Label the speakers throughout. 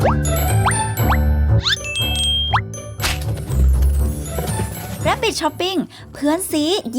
Speaker 1: Rabbit Shopping เพื่อนซี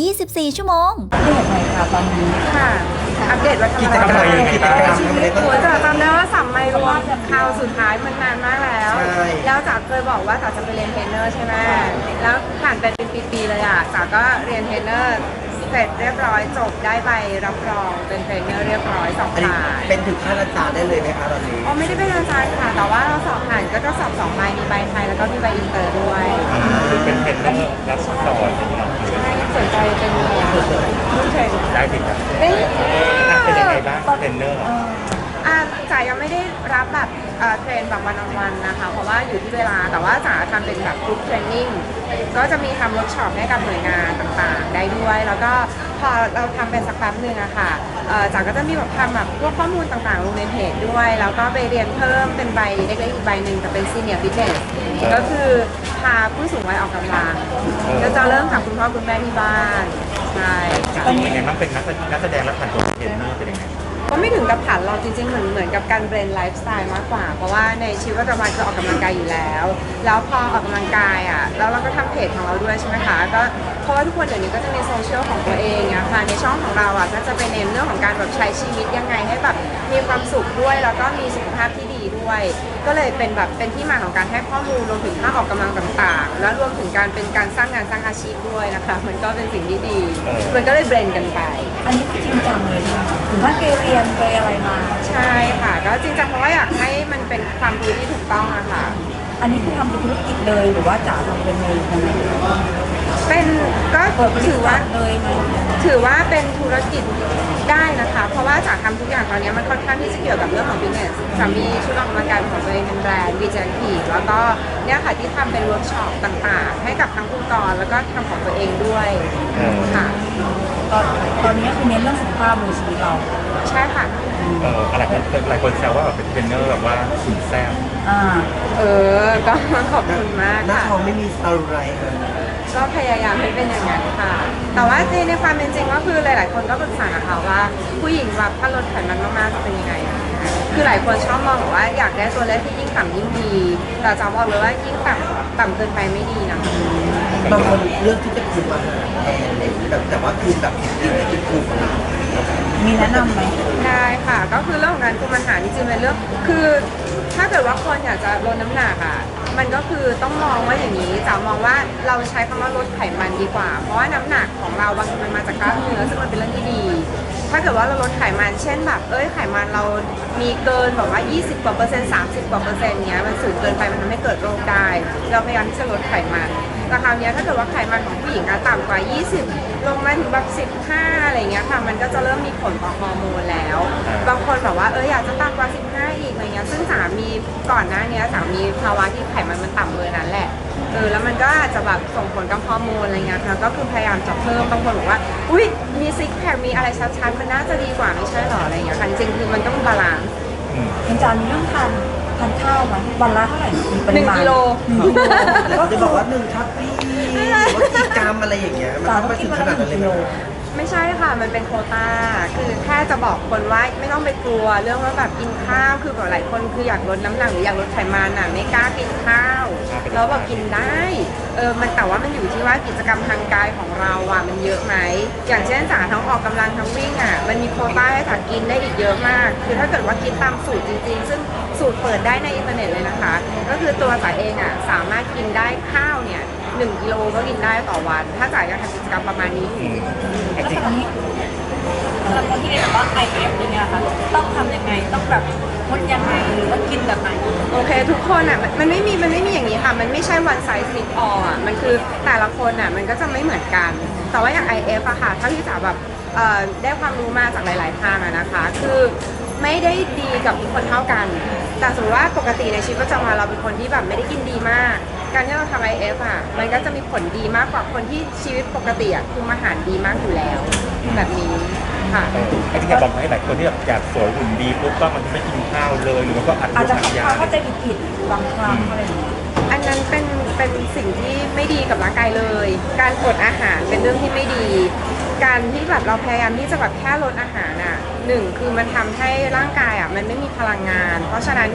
Speaker 1: 24 ชั่วโมง
Speaker 2: เรียกไงคะตอนนี้
Speaker 3: ค่ะอัปเดตว่าทำอะไรชีวิตหัวจ๋าจำได้ว่าสัมไมรวมคราวสุดท้ายมันนานมากแล้วแล้วจ๋าเคยบอกว่าจ๋าจะไปเรียนเทรนเนอร์ใช่ไหมแล้วผ่านไปเป็นปีๆเลยอ่ะจ๋าก็เรียนเทรนเนอร์เสร็จเรียบร้อยจบได้ใบรับรองเป็นเทรนเนอร์เรียบร้อยสอบผ่าน
Speaker 4: เป็นถึงขั้นอาจารย์ได้เลยไหมคะตอนนี้
Speaker 3: อ๋อไม่ได้เป็นอาจารย์ค่ะแต่ว่าเราสอบผ่านก็จะสอบ2 ใบมีใบไทยแล้วก็มีใบอินเตอร์ด้วย
Speaker 5: เป็นเทรนเนอร์รับสอนอย่างเงี้ย
Speaker 3: ใช่สนใจเป็นผู้เทรน
Speaker 5: ได้สิครับเป็นยังไงบ้างเทรนเนอร์
Speaker 3: จ๋ายังไม่ได้รับแบบเทรนแบบวันนะคะเพราะว่าอยู่ที่เวลาแต่ว่าจ๋าทำเป็นแบบกรุ๊ปเทรนนิ่งก็จะมีทำเวิร์กช็อปให้กับหน่วยงานต่างๆได้ด้วยแล้วก็พอเราทำเป็นสักแป๊บหนึ่งอะค่ะจ๋าก็จะมีแบบทำแบบพวกข้อมูลต่างๆลงในเพจด้วยแล้วก็ไปเรียนเพิ่มเป็นใบเล็กๆอีกใบหนึ่งแต่เป็นซีเนียร์ฟิตเนสก็คือพาผู้สูงวัยออกกำลังก็จะเริ่มจากคุณพ่อคุณแม่ที่บ้านใช่
Speaker 5: เป็นยังไงบ้างเป็นนักแสดงและผ่านตัวเทรนเนอร์เป็นยังไง
Speaker 3: ก็ไม่ถึงกับผันเราจริงๆเหมือนกับการเบรนไลฟ์สไตล์มากกว่าเพราะว่าในชีวิตประจำวันคือออกกำลังกายอยู่แล้วพอออกกำลังกายอ่ะแล้วเราก็ทำเพจของเราด้วยใช่ไหมคะก็เพราะว่าทุกคนเดี๋ยวนี้ก็จะมีโซเชียลของตัวเองอะค่ะในช่องของเราอ่ะก็จะไปเน้นเรื่องของการแบบใช้ชีวิตยังไงให้แบบมีความสุขด้วยแล้วก็มีสุขภาพที่ดีด้วยก็เลยเป็นที่มาของการให้ข้อมูลรวมถึงท่าออกกำลังต่างๆแล้วรวมถึงการสร้างงานสร้างอาชีพด้วยนะคะมันก็เป็นสิ่งที่ดีมันก็เลยเบรนกันไป
Speaker 2: อันนี้จริงจังเลยนะถึงว่าเกเรียนไปอะไรมา
Speaker 3: ใช่ค่ะก็จริงจังเพราะว่าอยากให้มันเป็นความรู้ที่ถูกต้องอะค่ะ
Speaker 2: อันนี้คือทำเป็นธุรกิจเลยหรือว่าจ๋าทำเป็นเองยังไง
Speaker 3: เป็นก็ถือว่าเป็นธุรกิจได้นะคะเพราะว่าจ๋าทำทุกอย่างตอนนี้มันค่อนข้างที่จะเกี่ยวกับเรื่องของ business จ๋ามีชุดออกกำลังกายของตัวเองเป็นแบรนด์ VJT แล้วก็เนี่ยค่ะที่ทำเป็นเวิร์กช็อปต่างๆให้กับทั้งองค์กรแล้วก็ทำของตัวเองด้วยค่ะ
Speaker 2: ตอนนี้คือเน้นเรื่องสุขภาพในชีวิตเรา
Speaker 3: ใช่ค่ะ
Speaker 5: หลายคนแซวว่าแบบเป็นเทรนเนอร์แบบว่าสุดแซ่บ
Speaker 3: ก็ขอบคุณมาก
Speaker 4: หน้า
Speaker 3: ค่ะ
Speaker 4: ท้องไม่มีอะไรเลย
Speaker 3: ก็พยายามให้เป็นอย่างนั้นค่ะแต่ว่าในความเป็นจริงก็คือหลายๆคนก็ปรึกษาค่ะว่าผู้หญิงแบบถ้าลดไขมันมากๆจะเป็นยังไงคือหลายคนชอบมองแบบว่าอยากได้ตัวเลขที่ยิ่งต่ำยิ่งดีแต่จะบอกเลยว่ายิ่งต่ำเกินไปไม่ดีนะ
Speaker 4: บางคนเลือกที่จะคุมอาหารแทนเลยแต่ว่าคือแบบกินที่คุม
Speaker 2: มีแนะนำไหม
Speaker 3: ได้ค่ะก็คือเรื่องของการคุมอาหารจริงๆเป็นเรื่องคือถ้าเกิดว่าคนอยากจะลดน้ำหนักอ่ะมันก็คือต้องมองว่าอย่างนี้จ๋ามองว่าเราใช้คำว่าลดไขมันดีกว่าเพราะว่าน้ำหนักของเราบางทีมันมาจากกล้ามเนื้อซึ่งมันเป็นเรื่องที่ดีถ้าเกิดว่าเราลดไขมันเช่นแบบไขมันเรามีเกินแบบว่า20 กว่าเปอร์เซ็นต์30 กว่าเปอร์เซ็นต์เนี้ยมันสูงเกินไปมันทำให้เกิดโรคได้เราพยายามที่จะลดไขมันแต่คราวนี้ถ้าเกิดว่าไขมันของผู้หญิงต่ำกว่า20ลงมาถึงแบบ15อะไรเงี้ยค่ะมันก็จะเริ่มมีผลต่อฮอร์โมนแล้วบางคนแบบว่าอยากจะต่ำกว่า15อีกอะไรเงี้ยซึ่งสามีก่อนหน้านี้สามีภาวะที่ไขมันมันต่ำเบอร์นั้นแหละแล้วมันก็อาจจะแบบส่งผลกับฮอร์โมนอะไรเงี้ยค่ะก็คือพยายามจะเพิ่มบางคนบอกว่าอุ้ยมีซิกแพคมีอะไรชัดๆมันน่าจะดีกว่าไม่ใช่หรออะไรเงี้ยค่ะจริงๆคือมันต้องบาลานซ์
Speaker 2: อาจารย์เรื่องทานข้าวมันวันละเท่าไหร่มีปริมาณ
Speaker 3: 1 กิโล
Speaker 4: ก็จะบอกว่า1 ทัพพีหรือว่ากี่กรัมอะไรอย่างเงี้ยมันต้องไปถึงขนาดนั้นเลย
Speaker 3: ไม่ใช่ค่ะมันเป็นโควต้าคือแค่จะบอกคนว่าไม่ต้องไปกลัวเรื่องว่าแบบกินข้าวคือแบบหลายคนคืออยากลดน้ำหนักหรืออยากลดไขมันไม่กล้ากินข้าวแล้วบอกกินได้มันแต่ว่ามันอยู่ที่ว่ากิจกรรมทางกายของเรามันเยอะไหมอย่างเช่นจ๋าทั้งออกกำลังทั้งวิ่งมันมีโควต้าให้จ๋ากินได้อีกเยอะมากคือถ้าเกิดว่ากินตามสูตรจริงๆซึ่งสูตรเปิดได้ในอินเทอร์เน็ตเลยนะคะก็คือตัวจ๋าเองสามารถกินได้ข้าวเนี่ย1 กิโลก็กินได้ต่อวันถ้าจ๋าอยากทำกิจกรรมประมาณนี้
Speaker 2: แล้วตอนนี้สำหรับคนที่เรียนแบบว่า IF อย่างเงี้ยค่ะต้องทำยังไงต้องแบบงดยังไงหรือว่ากินแบบไหน
Speaker 3: โอเคทุกคนมันไม่มีอย่างนี้ค่ะมันไม่ใช่ one size fits all มันคือแต่ละคนมันก็จะไม่เหมือนกันแต่ว่าอย่าง IF อะค่ะถ้าที่จ๋าแบบได้ความรู้มาจากหลายๆทางนะคะคือไม่ได้ดีกับทุกคนเท่ากันแต่สมมติว่าปกติในชีวิตประจำวันเราเป็นคนที่แบบไม่ได้กินดีมากการที่เราทำ IF มันก็จะมีผลดีมากกว่าคนที่ชีวิตปกติคุมอาหารดีมากอยู่แล้วแบบนี้ค่ะ
Speaker 5: ไอ้ที่บอกให้หลายคนที่แบบอยากสวยหุ่นดีปุ๊บก็มันไม่กินข้าวเลยหรือว่าก็
Speaker 2: อาจจะเข้าใจผิดบางครั้งอะไรอย่างเงี้ย
Speaker 3: อันนั้นเป็นสิ่งที่ไม่ดีกับร่างกายเลยการอดอาหารเป็นเรื่องที่ไม่ดีการที่แบบเราพยายามที่จะแบบแค่ลดอาหาร1คือมันทำให้ร่างกายมันไม่มีพลังงานเพราะฉะนั้นเนี่ย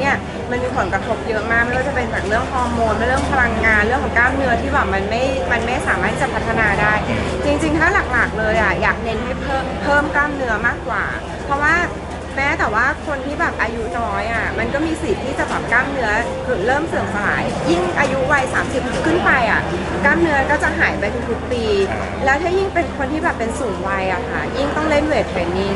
Speaker 3: มันมีผลกระทบเยอะมากไม่ว่าจะเป็นจากเรื่องฮอร์โมนเรื่องพลังงานเรื่องของกล้ามเนื้อที่แบบมันไม่สามารถจะพัฒนาได้ จริงๆถ้าหลักๆเลยอ่ะอยากเน้นให้เพิ่มกล้ามเนื้อมากกว่า เพราะว่าแม้แต่ว่าคนที่แบบอายุน้อยอ่ะมันก็มีสิทธิ์ที่จะแบบกล้ามเนื้อเริ่มเสื่อมสลายยิ่งอายุวัย30ขึ้นไปอ่ะกล้ามเนื้อก็จะหายไปทุกๆปีแล้วถ้ายิ่งเป็นคนที่แบบเป็นสูงวัยอะค่ะยิ่งต้องเล่นเวทเทรนนิ่ง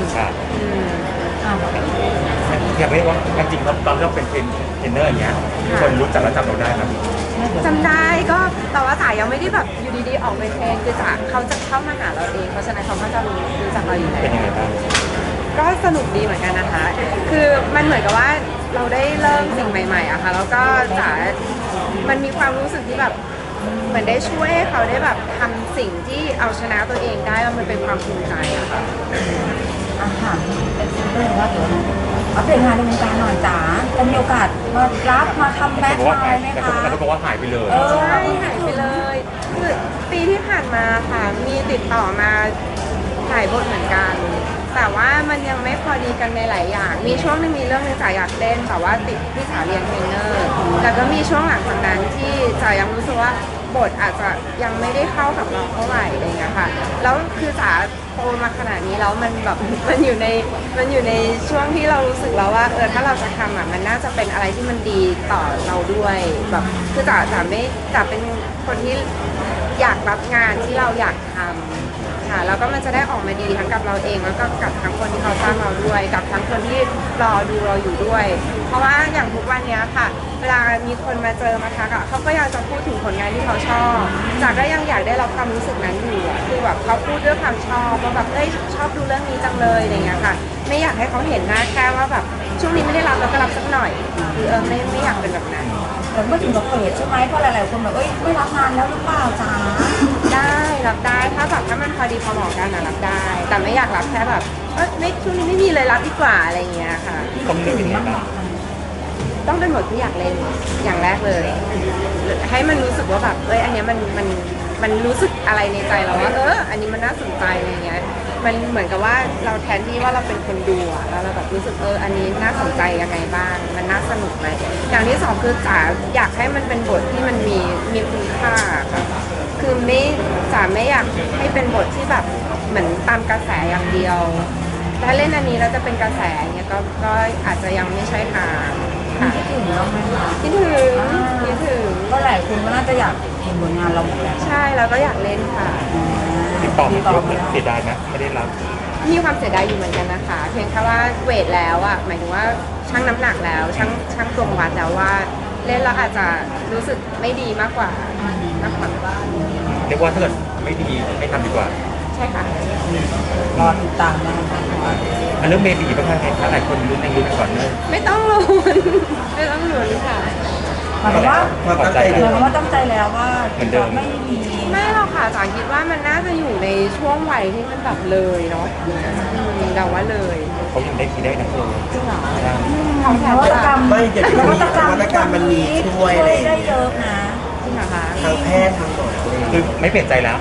Speaker 5: อยากเรียกว่าจริงๆตอนที่เราเป็นเทรนเนอร์อย่างเงี้ยคนรู้จักและจำเราได้ไหม
Speaker 3: จำได้ก็แต่ว่าจ๋ายังไม่ได้แบบอยู่ดีๆออกไปเทรนคือจ๋าเขาจะเข้ามาหาเราเองเพราะฉะนั้นเขาก็จะรู้จักเราอยู่แล้ว
Speaker 5: เป็นยังไงบ้าง
Speaker 3: ก็สนุกดีเหมือนกันนะคะ คือมันเหมือนกับว่าเราได้เริ่มสิ่งใหม่ๆอะค่ะแล้วก็จ๋ามันมีความรู้สึกที่แบบเหมือนได้ช่วยให้เขาได้แบบทำสิ่งที่เอาชนะตัวเองได้แล้วมันเป็นความภูมิใจอะค่ะ
Speaker 6: อาหารเป็นซิงเกิลว่าเดี๋ยวอัปเดตงานในวงการหน่อยจ๋าจะมีโอกาสมารับมาทำแบ็ค
Speaker 5: บอกว่า
Speaker 6: ไล
Speaker 5: หาย
Speaker 6: น์ไหม
Speaker 5: แต่
Speaker 6: คะ
Speaker 5: คนบอกว่าหายไปเลย
Speaker 3: ใช่หายไปเลยคือปีที่ผ่านมาค่ะมีติดต่อมาถ่ายบทเหมือนกัน แต่ว่ามันยังไม่พอดีกันในหลายอย่าง มีช่วงหนึงมีเรื่องหนึงจ๋าอยากเล่นแต่ว่าติดที่จ๋าเรียนเทรนเนอร์แต่ก็มีช่วงหลังจากนั้นที่จ๋ายังรู้สึกว่าบทอาจจะยังไม่ได้เข้ากับเราเท่าไหร่อะไรเงี้ยค่ะแล้วคือจ๋าโตมาขนาดนี้แล้วมันแบบ มันอยู่ในช่วงที่เรารู้สึกแล้วว่าถ้าเราจะทำอ่ะมันน่าจะเป็นอะไรที่มันดีต่อเราด้วยแบบคือจ๋าเป็นคนที่อยากรับงานที่เราอยากทำค่ะแล้วก็มันจะได้ออกมาดีทั้งกับเราเองแล้วก็กับทั้งคนที่เขาจ้างเราด้วยกับทั้งคนที่รอดูเราอยู่ด้วย เพราะว่าอย่างทุกวันเนี้ยค่ะ เวลามีคนมาเจอมาทักอ่ะเขาก็อยากจะพูดถึงผลงานที่เขาชอบจ๋าก็ยังอยากได้รับความรู้สึกนั้นอยู่อะคือแบบเขาพูดด้วยความชอบว่าแบบชอบดูเรื่องนี้จังเลยอะไรเงี้ยค่ะ ไม่อยากให้เขาเห็นหน้าแค่ว่าแบบช่วงนี้ไม่ได้รับแล้วก็รับสักหน่อยคือไม่อยากเป็นแบบนั้น
Speaker 6: เหมือนเมื่อถึงกับเฟสใช่ไหมเพราะหลายๆคนแบบไม่รับงานแล้วหรือเปล่าจ๋า
Speaker 3: ได้รับได้ถ้ามันพอดีพอเหมาะกันนะรับได้ แต่ไม่อยากรับแค่แบบไม่ช่วงนี้ไม่มีเลยรับดีกว่าอะไรเงี้ยค่ะ
Speaker 5: ต้องเลือกยังไงบ้าง
Speaker 3: ต้องเป็นบทที่อยากเล่นอย่างแรกเลย ให้มันรู้สึกว่าแบบอันเนี้ยมันรู้สึกอะไรในใจเราว่าอันนี้มันน่าสนใจอะไรเงี้ยมันเหมือนกับว่าเราแทนที่ว่าเราเป็นคนดูอะแล้วเราแบบรู้สึกอันนี้น่าสนใจยังไงบ้างมันน่าสนุกไหมอย่างที่สองคือจ๋าอยากให้มันเป็นบทที่มันมีคุณค่าค่ะคือจ๋าไม่อยากให้เป็นบทที่แบบเหมือนตามกระแสอย่างเดียวถ้าเล่นอันนี้แล้วจะเป็นกระแสเงี้ยก็อาจจะยังไม่ใช่ทางค่ะ
Speaker 6: คิดถึงแล้วไหมคะ
Speaker 3: คิดถึง
Speaker 6: ก็หลายคนก็น่าจะอยากเห็นผลงานเราหมดแล้ว
Speaker 3: ใช่แล้วก็อยากเล่นค่ะ
Speaker 5: ติดต่อมาเยอะไหมเสียดายไหมไม่ได้รับ
Speaker 3: มีความเสียดายอยู่เหมือนกันนะคะ เพียงแค่ว่าเวทแล้วอ่ะหมายถึงว่าชั่งน้ำหนักแล้วชั่งตวงวัดแล้วว่าเล่นแล้วอาจจะรู้สึกไม่ดีมากกว่า
Speaker 5: เรียกว่าถ้าเกิดไม่ดีไม่ทำดีกว่า
Speaker 3: ใช่ค่ะ
Speaker 6: รอติดตามนะคะ
Speaker 5: อันเรื่องเมบีบ้างไงคะหลายคนลุ้นก่อนเนื่อง
Speaker 3: ไม่ต้องลุ้น ไม่ต้องลุ้นค่ะ
Speaker 6: หมายความว่า
Speaker 4: ความตั้งใจ
Speaker 6: ห
Speaker 4: เดิ
Speaker 6: มาย
Speaker 4: ม
Speaker 6: ความว่าตั้งใจแล้วว่าจะไม่มี
Speaker 3: ไม่หรอกค่ะจ๋าคิดว่ามันน่าจะอยู่ในช่วงวัยที่มันแบบเลยเนาะเดาว่าเลย
Speaker 5: เขายังได้ทีได้นะเธอ
Speaker 3: จริงเหรอ
Speaker 5: ใช่
Speaker 6: นวัตกรรม
Speaker 4: ไม่อย่างที่มีนวัตกรรมมันมีช่วยอะไรอย่าง
Speaker 6: ได้
Speaker 4: เงี้ย
Speaker 6: เยอะนะ
Speaker 3: จริงเหรอคะ
Speaker 4: ทางแพทย์ทางหมออะไรอย่าง
Speaker 5: คื
Speaker 4: เงี้
Speaker 5: อยไม่เปลี่ยนใจแล้ว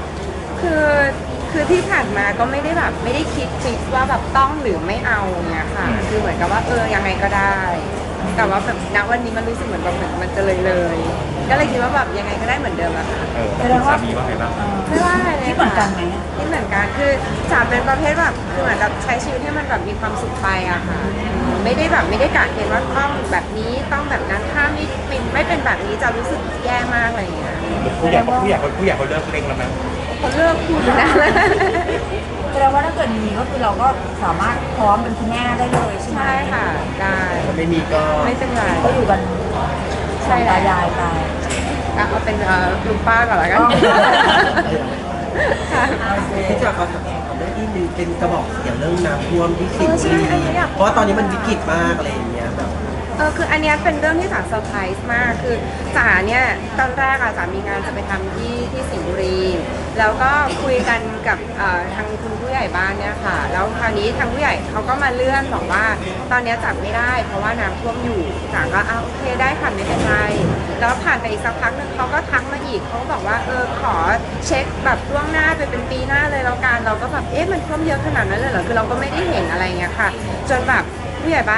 Speaker 3: คือที่ผ่านมาก็ไม่ได้แบบไม่ได้คิดฟิกว่าแบบต้องหรือไม่เอาเนี่ยค่ะ คือเหมือนกับว่ายังไงก็ได้ แต่ว่าแบบณวันนี้มันรู้สึกเหมือนแบบมันจะเลยก็เลยคิดว่าแบบยังไงก็ได้เหมือนเดิมอะค่ะ
Speaker 5: แล้วคุณสามีว่าไงบ้าง
Speaker 3: ไม่ว่าอะไรเลย
Speaker 6: คิดเหมือนกันไหมอะ
Speaker 3: คิดเหมือนกันคือจ๋าเป็นประเภทแบบคือเหมือนแบบใช้ชีวิตให้มันแบบมีความสุขไปอะค่ะไม่ได้กะเกณฑ์ว่าต้องแบบนี้ต้องแบบนั้นถ้าไม่เป็นแบบนี้จะรู้สึกแย่มากอะไรอย่างเงี้ย
Speaker 5: ผู้ใหญ่เขาเลิกเร่งแล้วมั้ย
Speaker 3: เขาเลิกพูดนะ
Speaker 6: แสดงว่าถ้าเกิดมีก็คือเราก็สามารถพร้อมเป็นคุณแม่ได้เลยใช่ไหม
Speaker 3: ใช่ค่ะได้
Speaker 4: ถ้าไม่มีก็
Speaker 3: ไม่เป็นไร
Speaker 6: ก็อยู่กัน
Speaker 3: ใช่
Speaker 6: ตายายไป
Speaker 3: เอาเป็นลุงป้าก่อนละกัน
Speaker 6: อ๋อ
Speaker 3: ค่ะ
Speaker 4: ที่จะเขาถามเรื่องที่หนึ่งเป็นกระบอกเสียงเรื่องน้ำท่วมที่สิงห์บุ
Speaker 3: ใช่
Speaker 4: รี
Speaker 3: อันนี้อยาก
Speaker 4: เพราะว่าตอนนี้มันวิกฤตมากอะไรอย่างเงี้ยแบบ
Speaker 3: คืออันเนี้ยเป็นเรื่องที่จ๋าเซอร์ไพรส์มาก คือจ๋าเนี่ยตอนแรกอะจ๋ามีงานจะไปทำที่สิงห์บุรี แล้วก็คุยกันกับทางคุณผู้ใหญ่บ้านเนี่ยค่ะ แล้วคราวนี้ทางผู้ใหญ่เขาก็มาเลื่อนบอกว่าตอนเนี้ยจัดไม่ได้ เพราะว่าน้ำท่วมอยู่จ๋าก็โอเคได้ค่ะไม่เป็นไรแล้วผ่านไปอีกสักพักหนึงเขาก็ทักมาอีกเขาก็บอกว่าขอเช็คแบบล่วงหน้าไปเป็นปีหน้าเลยแล้วกันเราก็แบบมันท่วมเยอะขนาดนั้นเลยเหรอคือเราก็ไม่ได้เห็นอะไรเงี้ยค่ะ จนแบบผู้ใหญ่บ้าน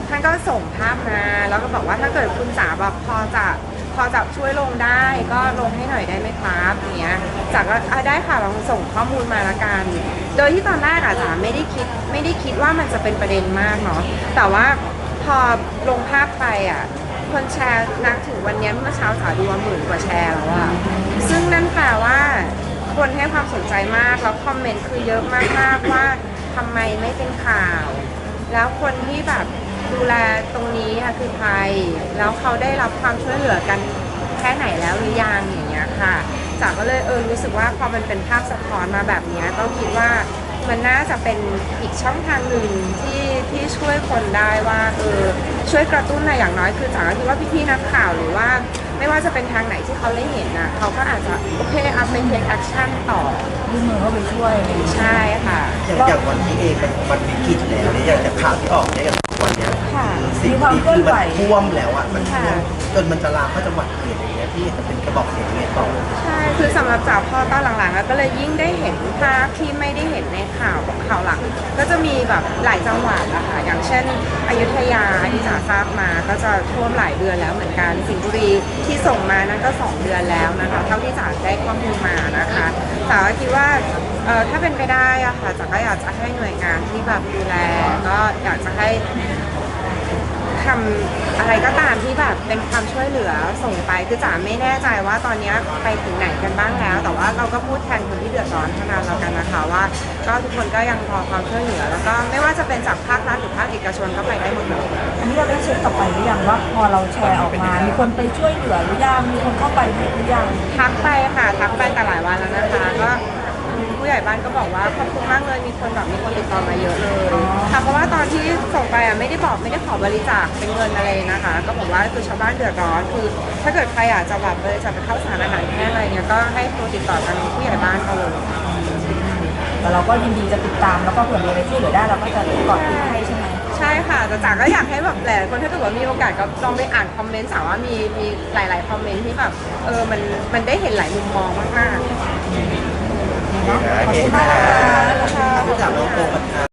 Speaker 3: ท่านก็ส่งภาพมาแล้วก็บอกว่าถ้าเกิดคุณจ๋าแบบพอจะช่วยลงได้ก็ลงให้หน่อยได้ไหมครับอย่างเงี้ยจ๋าก็ได้ค่ะลองส่งข้อมูลมาละกัน โดยที่ตอนแรกอะจ๋าไม่ได้คิดว่ามันจะเป็นประเด็นมากเนาะแต่ว่าพอลงภาพไปอะคนแชร์นักถึงวันนี้เมื่อเช้าจ๋าดูว่า10,000 กว่าแชร์แล้วอะซึ่งนั่นแปลว่าคนให้ความสนใจมากแล้วคอมเมนต์คือเยอะมากๆว่าทำไมไม่เป็นข่าว แล้วคนที่แบบดูแลตรงนี้ค่ะคือใครแล้วเขาได้รับความช่วยเหลือกันแค่ไหนแล้วหรือยังอย่างเงี้ยค่ะจ๋าก็เลยรู้สึกว่าพอมันเป็นภาพสะท้อนมาแบบเนี้ยก็คิดว่ามันน่าจะเป็นอีกช่องทางหนึ่งที่ช่วยคนได้ว่าช่วยกระตุ้นอะไรอย่างน้อยคือจ๋าก็คิดว่าพี่ๆนักข่าวหรือว่าไม่ว่าจะเป็นทางไหนที่เขาได้เห็นนะเขาก็อาจจะโอเคเอาไปเทคแอคชั่นต่อ
Speaker 6: ยื่นมือเข้าไปช่วยอะไรอย่างเงี้ย
Speaker 3: ใช่ค่ะ
Speaker 4: อย่างวันนี้เองมันวิกฤตแล้วเนี่ยอย่างจากข่าวที่ออกเนี่ยอย่างวันเนี้ย
Speaker 3: ค่ะ
Speaker 4: สิ่งที่คือมันท่วมแล้วอ่ะมันท่วม
Speaker 3: ค่ะ
Speaker 4: จนมันจะลามเข้าจังหวัดอื่นอย่างเงี้ยพี่จะเป็นกระบอกเสียงยังไงต่อ
Speaker 3: ใช่ คือสำหรับจ๋าพอตอนหลังๆก็เลยยิ่งได้เห็นภาพที่ไม่ได้เห็นในข่าวหลัก ก็จะมีแบบหลายจังหวัดอะค่ะ อย่างเช่นอยุธยาที่จ๋าทราบมาก็จะท่วมหลายเดือนแล้วเหมือนกัน สิงห์บุรีที่ส่งมานั้นก็2 เดือนแล้วนะคะ เท่าที่จ๋าได้ข้อมูลมานะคะจ๋าก็คิดว่าถ้าเป็นไปได้อะค่ะจ๋าก็อยากจะให้หน่วยงานที่แบบดูแลก็อยากจะให้ ทำอะไรก็ตามที่แบบเป็นความช่วยเหลือส่งไปคือจ๋าไม่แน่ใจว่าตอนนี้ไปถึงไหนกันบ้างแล้ว แต่ว่าเราก็พูดแทนคนที่เดือดร้อนเท่านั้นแล้วกันนะคะว่าก็ทุกคนก็ยังรอความช่วยเหลือ แล้วก็ไม่ว่าจะเป็นจากภาครัฐหรือภาคเอกชนก็ไปได้หมดเลย
Speaker 6: อันนี้เราได้เช็คกลับไปหรือยังว่าพอเราแชร์ออกมา มีคนไปช่วยเหลือหรือยังมีคนเข้าไปหรือยัง
Speaker 3: ทักไปค่ะทักไปแต่หลายวันแล้วนะคะก็ผู้ใหญ่บ้านก็บอกว่าขอบคุณมากเลยมีคนติดต่อมาเยอะเลยค่ะเพราะว่าตอนที่ส่งไปไม่ได้ขอบริจาคเป็นเงินอะไรนะคะ ก็บอกว่าคือชาวบ้านเดือดร้อนคือ ถ้าเกิดใครอยากจะแบบบริจาคไปเข้าสารอาหารแห้งอะไรเนี่ยก็ให้โทรติดต่อกันผู้ใหญ่บ้านเขาเลย
Speaker 6: แต่เราก็ยินดีจะติดตามแล้วก็เผื่อมีอะไรช่วยเหลือได้เราก็จะกอดติดให้ใช่ไหม
Speaker 3: ใช่ค่ะแต่จ๋าก็อยากให้แบบหลายๆคนถ้าเกิดว่ามีโอกาสก็ลองไปอ่านคอมเมนต์สาวว่ามีหลายๆคอมเมนต์ที่แบบมันได้เห็นหลายมุมมองมากๆ
Speaker 6: ขอบคุณมากนะคะ
Speaker 4: ผู้จัดน้องโปร